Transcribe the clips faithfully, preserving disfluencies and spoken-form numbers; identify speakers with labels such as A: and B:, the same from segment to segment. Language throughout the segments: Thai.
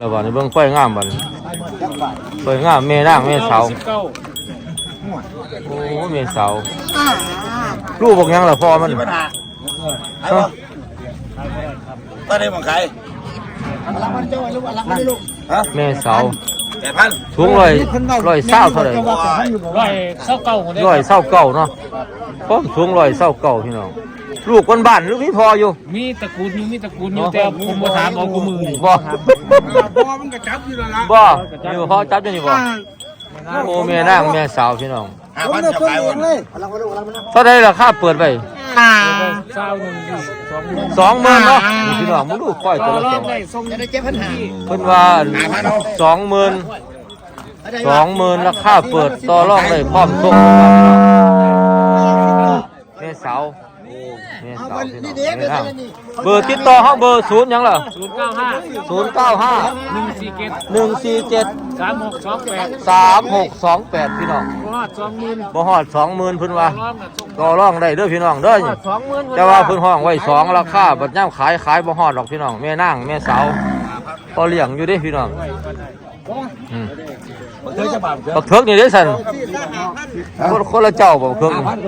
A: แล้วบัดนี้เบิ่งไฟงามบัดนี้ไฟงามแม่นางแม่เสาโอ้แม่เสาลูกบอกยังล่ะพ่อมันฮะ
B: ตอนนี้มองใคร
A: แม่เสา
B: แปดพัน
A: สูงร้อยร้อยเศร้าเท่าไหร่
C: ร้อยเศร้าเก่าคนเดียว
A: ร้อยเศร้าเก่าเนาะพ่อสูงร้อยเศร้าเก่าพี่น้องลูกคนบ้านหรือพี่พออยู่
C: มีตระกูลอยู่มีตระกูลอยู่แต่ผมมาถามเอากูมือ
A: บ่
B: พ่อมันก็จับอยู่แล้วล่ะ
A: บ่อยู่พอจับอยู่นี่บ่โอ้แม่นางแม่สาวพี่น้อง
B: ห้าพันจะขายวัน
A: เท่าไหร่ราคาเปิดไว้
C: เศร้าหนึ่ง
A: สองหมื่นเนาะพี่น้องมึงดูค่อยตัวละสองเพิ่นว่าสองหมื่นสองหมื่นราคาเปิดต่อรองได้พร้อมส่งแม่สาวแม่สาวพี่น้องแม่นางเบอร์ติดต่อเฮาเบอร์ศูนย์หยังล่ะ
C: ศูนย์เก้าห้า
A: ศูนย์เก้าห้า
C: หนึ่งสี่เจ็ด
A: หนึ่งสี่เจ็ด
C: สามหกสองแปด
A: สามหกสองแปดพี่น้อง
C: บ่ฮอดสองหมื่น
A: บ่ฮอดสองหมื่นเพิ่นว่าต่อรองได้เด้อพี่น้องเด้อแต่ว่าเพิ่นห้องไว้สองราคาบัดยามขายขายบ่ฮอดหรอกพี่น้องแม่นางแม่สาวพอเลี้ยงอยู่เด้พี่น้องอืมบักเถิกนี่เด้ซั่นคนคนละเจ้าบ่บักเถิกนี่บัก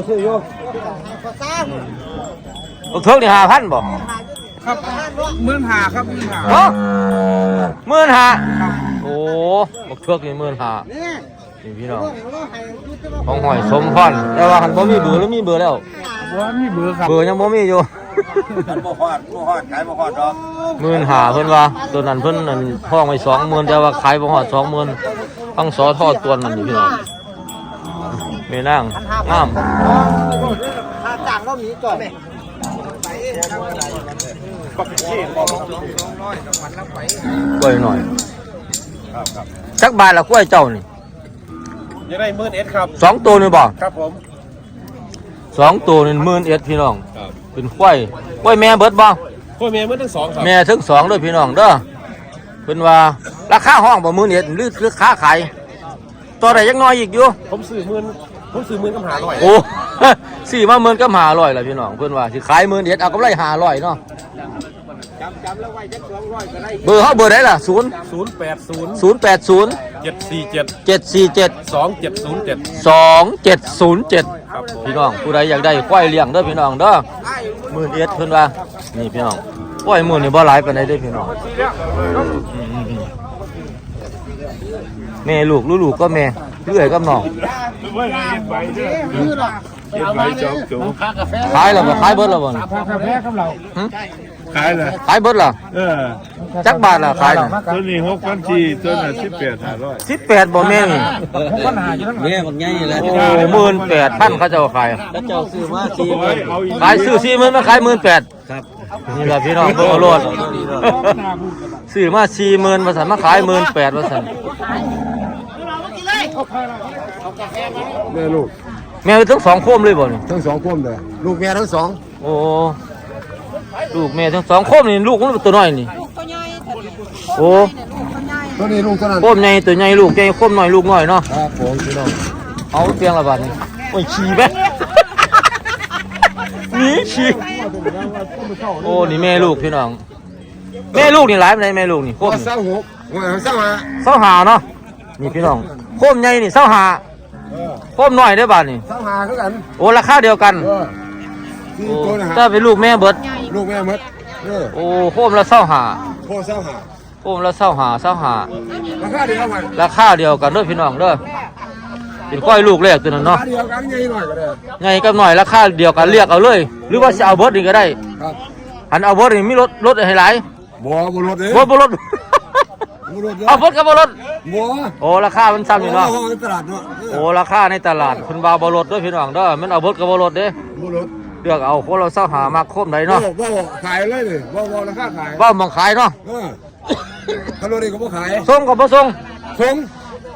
A: เถิกนี่ ห้าพัน บ่
B: ครับหมื่นห้าครับหมื่นห้า
A: ฮะหมื่นห้าโอ้บักเถิกนี่หมื่นห้านี่พี่น้องของหอยสมพรแต่ว่าหันบ่มีเบอร์หรือมีเบอร์แล้ว
C: บ่มีเบอร์ครับ
A: เบอร์ยังบ่มีอยู่
B: บ่ฮอดบ่ฮอดขายบ่ฮอดดอก
A: หมื่นห้าเพิ่นว่าตัวนั้นเพิ่นนั่นห้องไว้สองหมื่นแต่ว่าขายบ่ฮอดสองหมื่นทั้งสอทอดตัวนั่นนี่พี่น้องแม่นางงาม
B: ถ้าจ้างก็มีก่อน
A: กล้วยหน่อยจักบาทละกล้วยเจ้านี่
B: จะได้หมื่นเอ็ดครับ
A: สองตัวนี่บ่
B: ครับผม
A: สองตัวนี่หมื่นเอ็ดพี่น้องเป็นกล้วยกล้วยแม่เบิดบ่
B: กล้วยแม่เบิดทั้งสองครับ
A: แม่ทั้งสองด้วยพี่น้องเด้อเพิ่นว่าราคาห้องบ่หมื่นเอ็ดหรือหรือค้าขายตัวใดยังน้อยอีกอยู่
B: ผมซื้อหมื่นผมซื้อหมื่นกับห้าร้อย
A: โอ้สี่มาหมื่นกับห้าร้อยล่ะพี่น้องเพิ่นว่าสิขายหมื่นเอ็ดเอากำไรห้าร้อยเนาะ
B: จำจำแล้วไว้จักสองร้อยก็ได้
A: เบอร์เฮาเบอร์ใดล่ะศูนย์
B: ศูนย์แปดศูนย์
A: ศูนย์แปดศูนย์
B: เจ็ดสี่เจ็ด
A: เจ็ดสี่เจ็ด
B: สองเจ็ดศูนย์เจ็ด
A: สองเจ็ดศูนย์เจ็ดพี่น้องผู้ใดอยากได้ควายเลี้ยงเด้อพี่น้องเด้อหมื่นเอ็ดเพิ่นว่านี่พี่น้องควายหมื่นนี่บ่หลายปานใดเด้อพี่น้องแม่ลูกลูกก็แม่เลื่อยกับน้องขายแล้วบ่ขายเบิดแล้วบ่
C: กาแฟกับเรา
B: ขายเลย
A: ขายเบิดล่ะ
B: เออ
A: จักบาทล่ะขายน่ะ
B: ตัวนี้หกพันสี่ตัวน่ะสิบแปดห้าร้อย
A: สิบแปดบ่แม่นี่
C: หกพันห้าอยู่ทั้งแม่บักใหญ่แหละ
A: โอ้หมื่นแปดพันเขาเจ้าขาย
C: แล้วเจ้าซื้อมาสี่หมื่น
A: ขายซื้อสี่หมื่นมาขายหมื่นแปด
C: ครับ
A: นี่ล่ะพี่น้องเบิ่งเอาโลดซื้อมาสี่หมื่นว่าซั่นมาขายหมื่นแปดว่าซั่น
B: แม่ลูก
A: แม่ทั้งสองโคมเลยบ่นี่
B: ทั้งสองโคมเลยลูกแม่ทั้งสอง
A: โอ้ลูกแม่ทั้งสองโคมนี่ลูกมันตัวน้อยนี่โอ้
B: ตัวนี้ลูกตัวนั้น
A: โคมใหญ่ตัวใหญ่ลูกใหญ่โคมน้อยลูกน้อยเนาะ
B: ครับผมพี่น้อง
A: เอาเพียงละบาทนี่โอ้ยขี้ไหมนี่ขี้โอ้นี่แม่ลูกพี่น้องแม่ลูกนี่หลายปานใดแม่ลูกนี่โคม
B: เศร้าหกเศร้าห้า
A: เศร้าหาเนาะนี่พี่น้องโคมใหญ่นี่เศร้าหาโคมน้อยได้บาทนี่
B: เศร้าห้าคือกัน
A: โอ้ราคาเดียวกันโอ้ถ้าเป็นลูกแม่เบิด
B: ลูกแม่เบิด
A: โอ้โคมละเศร้าหา
B: โคมเศร้าหา
A: โคมละเศร้าหาเศร้าหา
B: ราคาเดียวกัน
A: ราคาเดียวกันเด้อพี่น้องเด้อเป็นก้อยลูกแรกตัวนั้นเนาะ
B: เดียวกันใหญ่หน่อยก็ได้
A: ใหญ่กับหน่อยราคาเดียวกันเรียกเอาเลยหรือว่าจะเอาเบิดนี่ก็ได้
B: ครับ
A: หันเอาเบิดนี่มีรถรถให้หลาย
B: บ่บ่รถเด้
A: บ่บ่รถเอาเบิดกับบ่รถ
B: บ่
A: โอ้ราคามันซ้ำอยู่เนาะ
B: โอ้ในตลาดเนาะ
A: โอ้ราคาในตลาดเพิ่นว่าบ่รถเด้อพี่น้องเด้อมันเอาเบิดกับบ่รถเด้
B: บ่รถ
A: เลือกเอาคนเราเศร้าหามาคมได้เนาะ
B: บ่ขายเลยดิบ่บ่ราคาขาย
A: บ่มองขายเนาะ
B: เออถ้ารถนี่ก็บ่ขาย
A: ส่งก็บ่ส่ง
B: ส่ง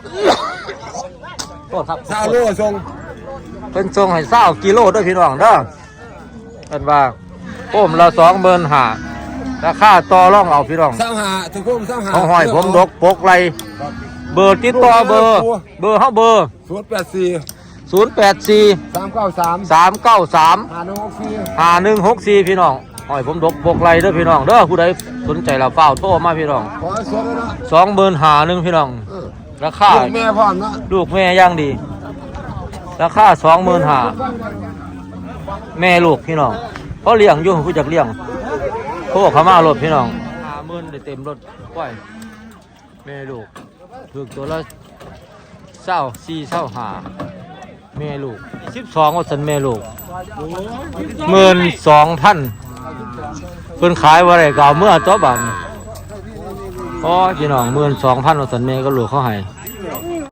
A: โทษครับ
B: ซาโลส่ง
A: เพิ่นส่งให้เศร้ากิโลด้วยพี่น้องเด้อเพิ่นว่าโอ้มละสองหมื่นห้าราคาต่อรองเอาพี่น้อง
B: เศร้าหาทุกคนเศร้าหา
A: ของหอยผมดกปกไหลเบอร์ติดต่อเบอร์เบอร์เฮาเบอร์
B: ศูนย์แปดสี่
A: ศูนย์แปดสี่
B: สามเก้าสาม
A: สามเก้าสาม
B: ห้าหนึ่งหกสี่
A: ห้าหนึ่งหกสี่พี่น้องหอยผมดกบกไรเด้อพี่น้องเด้อผู้ใดสนใจละเฝ้าโทรมาพี่น้อง
B: ขอสดเลยนะ
A: สองหมื่นหาหนึ่งพี่น้อง
B: เออ
A: ราคา
B: ลูกแม่พร้อมนะ
A: ลูกแม่ย่างดี ราคาสองหมื่นหาแม่ลูกพี่น้องเพราะเลี้ยงอยู่ผู้จักเลี้ยงโทรเขามารถพี่น้องห้าหมื่นได้เต็มรถก้อยแม่ลูกถูกตัวละเศร้าสี่เศร้าหาแม่ลูกสิบสองว่าสันแม่ลูกหมื่นสองพันเพิ่นขายว่าไรก็เอาเมื่อตัวบันอ๋อพี่น้องหมื่นสองพันว่าสันแม่ก็ลูกเขาให้